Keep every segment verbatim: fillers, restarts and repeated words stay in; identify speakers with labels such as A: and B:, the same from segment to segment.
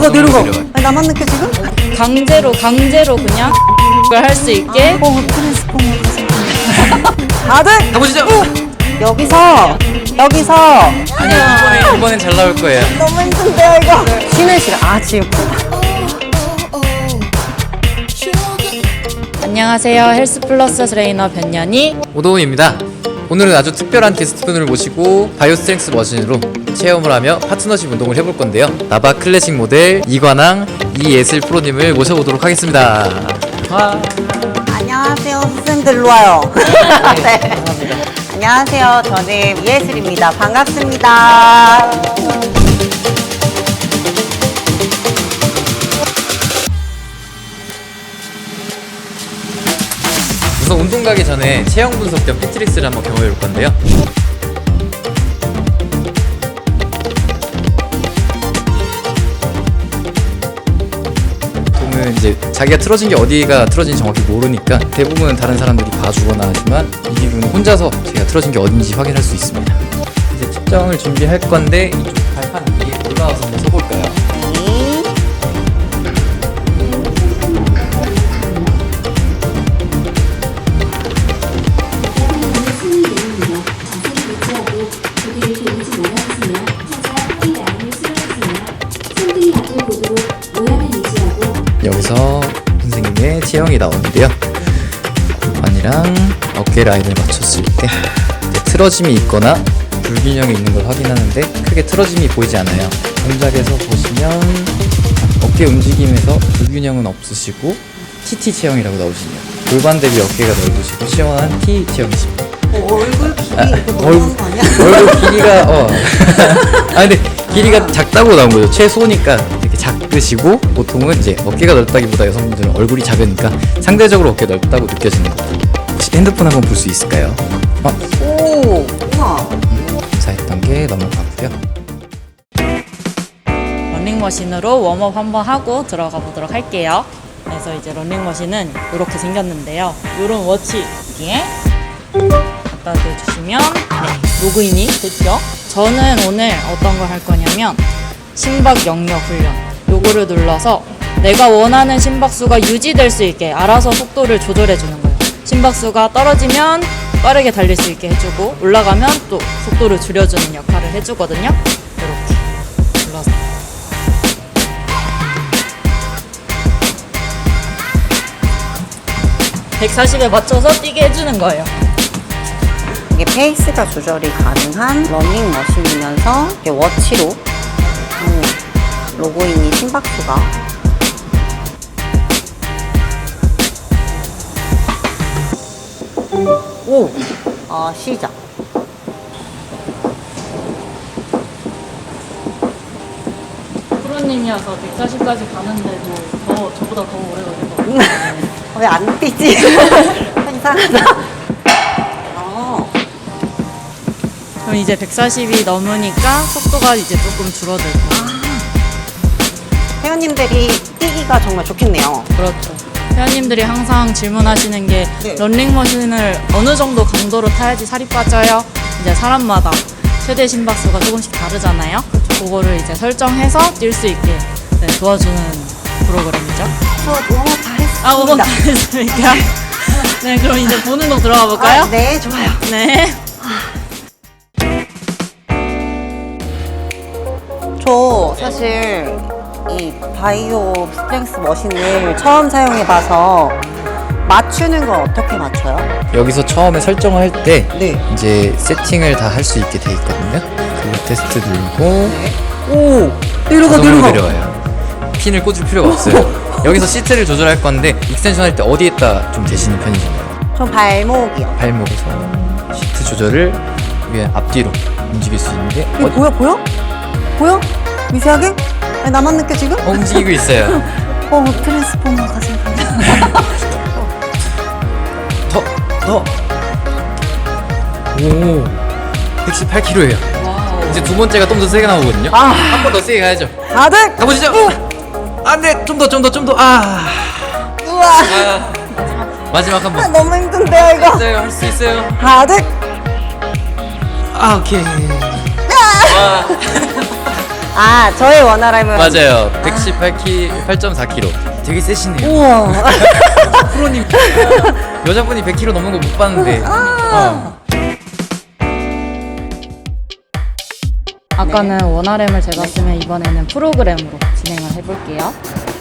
A: 내려가 내려가.
B: 내려가요.
A: 아니, 나만 느껴 지금?
C: 강제로 강제로 그냥 그걸 할 수 있게.
A: 어 트랜스포머 다들
B: 가보시죠.
A: 여기서 여기서
B: 아니요, 이번에 이번엔 잘 나올 거예요.
A: 너무 힘든데요 이거. 쉬는 시간. 아 지금.
C: 안녕하세요. 헬스플러스 트레이너 변연이.
B: 오도훈입니다. 오늘은 아주 특별한 게스트분을 모시고 바이오 스트렝스 머신으로 체험을 하며 파트너십 운동을 해볼 건데요. 나바 클래식 모델 이관왕 이예슬 프로님을 모셔보도록 하겠습니다. 와.
A: 안녕하세요 선생님들 일로 와요. 네. 안녕하세요 저는 이예슬입니다. 반갑습니다.
B: 우선 운동 가기 전에 체형 분석 겸 피트리스를 한번 경험해 볼 건데요. 보통은 이제 자기가 틀어진 게 어디가 틀어진지 정확히 모르니까 대부분은 다른 사람들이 봐주거나 하지만 이 기구는 혼자서 제가 틀어진 게 어딘지 확인할 수 있습니다. 이제 측정을 준비할 건데 이쪽 발판 위에 올라와서 한번 서볼까요? 여기서 선생님의 체형이 나오는데요. 골반이랑 어깨 라인을 맞췄을 때 틀어짐이 있거나 불균형이 있는 걸 확인하는데 크게 틀어짐이 보이지 않아요. 동작에서 보시면 어깨 움직임에서 불균형은 없으시고 티티 체형이라고 나오시네요. 골반 대비 어깨가 넓으시고 시원한 T 체형이십니다.
A: 어, 얼굴 길이
B: 아,
A: 이거 너무한
B: 얼굴,
A: 거 아니야?
B: 얼굴 길이가 어. 아 근데 길이가 작다고 나온 거죠. 최소니까 이렇게 작으시고 보통은 이제 어깨가 넓다기보다 여성분들은 얼굴이 작으니까 상대적으로 어깨 넓다고 느껴지는 거예요. 혹시 핸드폰 한번 볼 수 있을까요? 어,
A: 오 우와.
B: 검사했던 게 넘어가고요.
C: 러닝머신으로 웜업 한번 하고 들어가 보도록 할게요. 그래서 이제 러닝머신은 이렇게 생겼는데요. 이런 워치기에 갖다 대주시면 네, 로그인이 됐죠. 저는 오늘 어떤 걸 할 거냐면 심박 영역 훈련, 요거를 눌러서 내가 원하는 심박수가 유지될 수 있게 알아서 속도를 조절해 주는 거예요. 심박수가 떨어지면 빠르게 달릴 수 있게 해주고 올라가면 또 속도를 줄여주는 역할을 해주거든요. 이렇게 눌러서 백사십에 맞춰서 뛰게 해주는 거예요.
A: 이게 페이스가 조절이 가능한 러닝머신이면서 이게 워치로 음, 로고인이 심박수가 오! 아 시작.
C: 프로님이어서 백사십까지 가는데도 더 저보다 더 오래 걸릴 것 같아요.
A: 왜 안 뛰지? 이상하다. 어.
C: 그럼 이제 백사십이 넘으니까 속도가 이제 조금 줄어들고.
A: 회원님들이 뛰기가 정말 좋겠네요.
C: 그렇죠. 회원님들이 항상 질문하시는 게
A: 네.
C: 런닝머신을 어느 정도 강도로 타야지 살이 빠져요? 이제 사람마다 최대 심박수가 조금씩 다르잖아요. 그거를 이제 설정해서 뛸 수 있게 네, 도와주는 프로그램이죠.
A: 저 너무 다 했습니다.
C: 아, 오번 다 했으니까. 네, 그럼 이제 보는 거 들어가 볼까요?
A: 아, 네, 좋아요.
C: 네.
A: 저 사실 이 바이오 스트렝스 머신을 처음 사용해봐서 맞추는 건 어떻게 맞춰요?
B: 여기서 처음에 설정을 할 때
A: 네.
B: 이제 세팅을 다 할 수 있게 돼 있거든요. 그 테스트 누르고
A: 오! 내려가,
B: 자동으로
A: 내려가.
B: 내려와요. 핀을 꽂을 필요가 없어요. 여기서 시트를 조절할 건데 익스텐션 할 때 어디에다 좀 대시는 편이신가요?
A: 전 발목이요.
B: 발목에서 시트 조절을 위에 앞뒤로 움직일 수 있는데
A: 이거
B: 어,
A: 보여? 보여? 보여? 미세하게? 아니, 나만 느껴 지금?
B: 어, 움직이고 있어요.
A: 어, 트랜스포머가 생각나.
B: 더, 더. 오, 백십팔 킬로그램예요. 이제 두 번째가 좀 더 세게 나오거든요.
A: 아.
B: 한 번 더 세게 가야죠.
A: 다들!
B: 가보시죠. 안 돼, 좀 더, 좀 더, 좀 더. 아,
A: 우와!
B: 아. 마지막 한
A: 아,
B: 번.
A: 너무 힘든데요, 이거?
B: 있어요, 할 수 있어요.
A: 다들!
B: 아, 오케이. 와.
A: 아, 저의 원활함은.
B: 맞아요. 백십팔 킬로그램, 팔 점 사 킬로그램. 되게 세시네요.
A: 우와.
B: 프로님. 여자분이 백 킬로그램 넘는 거 못 봤는데. 어.
C: 아까는 원아램을 재봤으면 이번에는 프로그램으로 진행을 해볼게요.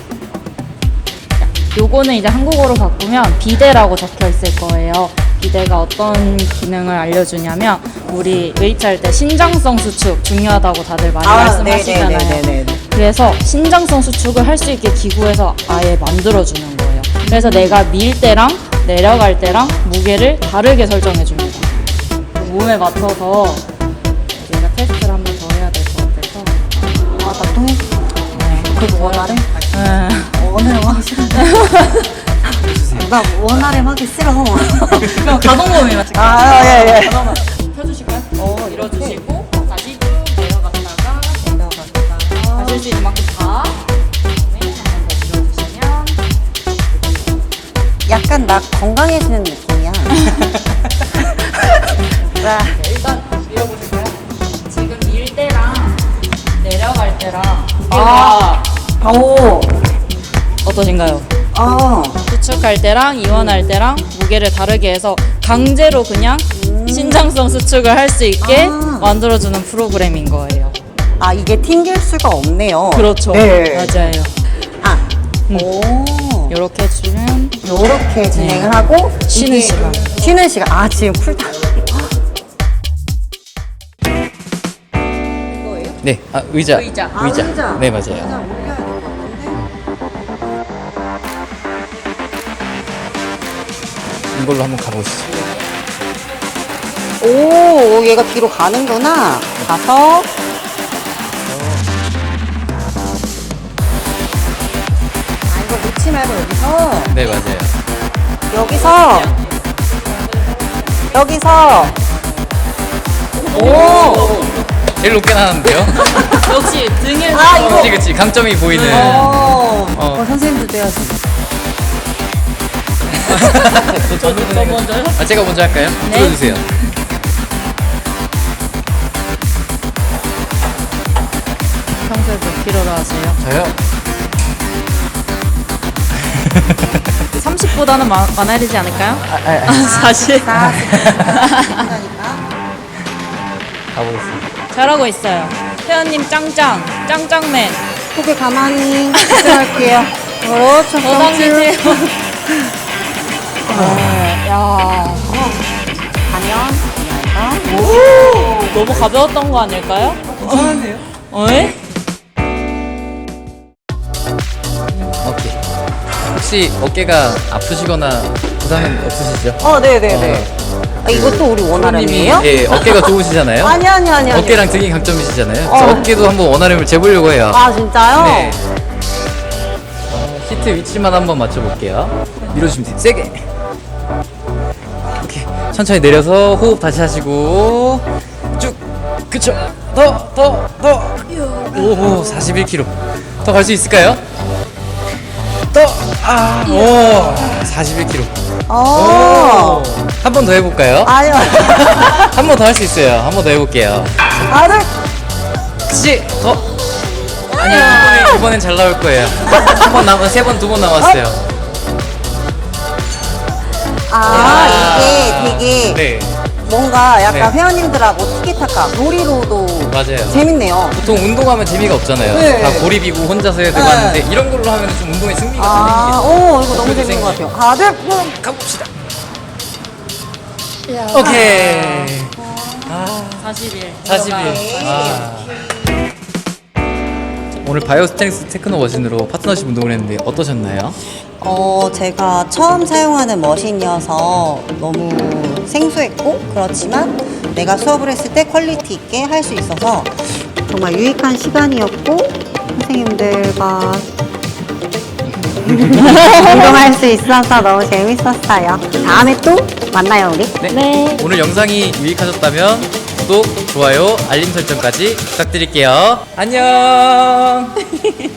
C: 자, 요거는 이제 한국어로 바꾸면 비대라고 적혀 있을 거예요. 비대가 어떤 기능을 알려주냐면 우리 웨이트할 때 신장성 수축 중요하다고 다들 많이 말씀하시잖아요.
A: 네네네네네.
C: 그래서 신장성 수축을 할 수 있게 기구에서 아예 만들어주는 거예요. 그래서 내가 밀 때랑 내려갈 때랑 무게를 다르게 설정해 줍니다. 몸에 맞춰서 얘가 테스트를 한 번 더 해야 될 것 같아서.
A: 아, 나 또 해?
C: 네.
A: 그래도 원활해?
C: 네.
A: 원활해 하기 싫은데. 나 원활해 하기 싫어.
C: 그럼 가동범위만 찍게요.
A: 아, 예, 예.
C: 가동범위 펴주실까요? 어, 밀어주시고 다시 쭉 내려갔다가 내려갔다가 하실 수 있는 만큼 다 그다음에 한번 더 밀어주시면
A: 약간 나 건강해지는 느낌이야. 자,
C: 네, 일단 밀어보실까요? 지금 밀 때랑 내려갈 때랑
A: 아. 오.
C: 어떠신가요?
A: 어.
C: 수축할 때랑 이완할 때랑 무게를 다르게 해서 강제로 그냥 신장성 수축을 할 수 있게
A: 아.
C: 만들어주는 프로그램인 거예요.
A: 아, 이게 튕길 수가 없네요.
C: 그렇죠.
A: 네.
C: 맞아요.
A: 아.
C: 음.
A: 오.
C: 이렇게 해주면
A: 요렇게 진행을 하고
C: 쉬는
A: 이게
C: 시간.
A: 쉬는 시간. 아, 지금 쿨다운. 이거예요?
B: 네, 아, 의자.
C: 의자.
A: 아, 의자.
B: 네, 맞아요.
A: 의자 올려야 될 것 같은데.
B: 이걸로 한번 가보시죠.
A: 오, 얘가 뒤로 가는구나. 가서. 아, 이거 놓지 말고 여기서.
B: 네, 맞아요.
A: 여기서. 여기서. 오.
B: 제일 높게 나왔는데요?
C: 역시 등에서
A: 아, 이거.
B: 그치, 그치. 강점이 보이는.
A: 어.
B: 어.
A: 어, 선생님도 돼야지.
C: 저 먼저요?
B: 아, 제가 먼저 할까요?
C: 네.
B: 들어주세요.
C: 평소에 몇 킬로로 하세요?
B: 저요?
C: 삼십보다는 많아야 되지 않을까요?
B: 아, 아, 아.
C: 사실
B: 가보겠습니다.
C: 잘하고 있어요. 태연님 짱짱 짱짱맨
A: 고개 가만히 집중할게요. 그렇죠.
C: 더 당기세요. 야
A: 가면.
C: 오, 너무 가벼웠던 거 아닐까요?
B: 괜찮은데요?
C: 어이?
B: 오케이. 혹시 어깨가 아프시거나 부상은 없으시죠?
A: 어, 네네네. 아, 이것도 우리 원활함이에요?
B: 예, 어깨가 좋으시잖아요?
A: 아니, 아니, 아니. 아니.
B: 어깨랑 등이 강점이시잖아요.
A: 어.
B: 그래서 어깨도 한번 원활함을 재보려고 해요.
A: 아, 진짜요?
B: 네. 어, 시트 위치만 한번 맞춰볼게요. 밀어주시면 돼요. 세게. 오케이. 천천히 내려서 호흡 다시 하시고 쭉. 그쵸. 더, 더, 더. 오, 사십일 킬로그램. 더 갈 수 있을까요? 더. 아, 오, 사십일 킬로그램.
A: 어.
B: 한 번 더 해볼까요?
A: 아니요.
B: 한 번 더 할 수 있어요. 한 번 더 해볼게요.
A: 아들.
B: 혹시 더? 아니요, 이번에, 이번엔 잘 나올 거예요. 한 번 남, 세 번, 두 번 남았어요.
A: 아, 이게 되게
B: 네,
A: 뭔가 약간
B: 네.
A: 회원님들하고 티키타카 놀이로도
B: 맞아요.
A: 재밌네요.
B: 보통 운동하면 재미가 없잖아요.
A: 네.
B: 다 고립이고 혼자서 해야 되고
A: 네.
B: 하는데 이런 걸로 하면 좀 운동에 승리가
A: 아,
B: 생기겠죠.
A: 오, 이거 너무
B: 목표도
A: 재밌는 것
B: 생기고.
A: 같아요. 아들.
B: 가봅시다. 오케이.
C: 사십일.
B: 사십일. 아. 오늘 바이오 스트렝스 테크노 머신으로 파트너십 운동을 했는데 어떠셨나요?
A: 어, 제가 처음 사용하는 머신이어서 너무 생소했고, 그렇지만 내가 수업을 했을 때 퀄리티 있게 할 수 있어서 정말 유익한 시간이었고, 선생님들과 운동할 수 있어서 너무 재밌었어요. 다음에 또 만나요, 우리.
C: 네.
B: 오늘 영상이 유익하셨다면 구독, 좋아요, 알림 설정까지 부탁드릴게요. 안녕.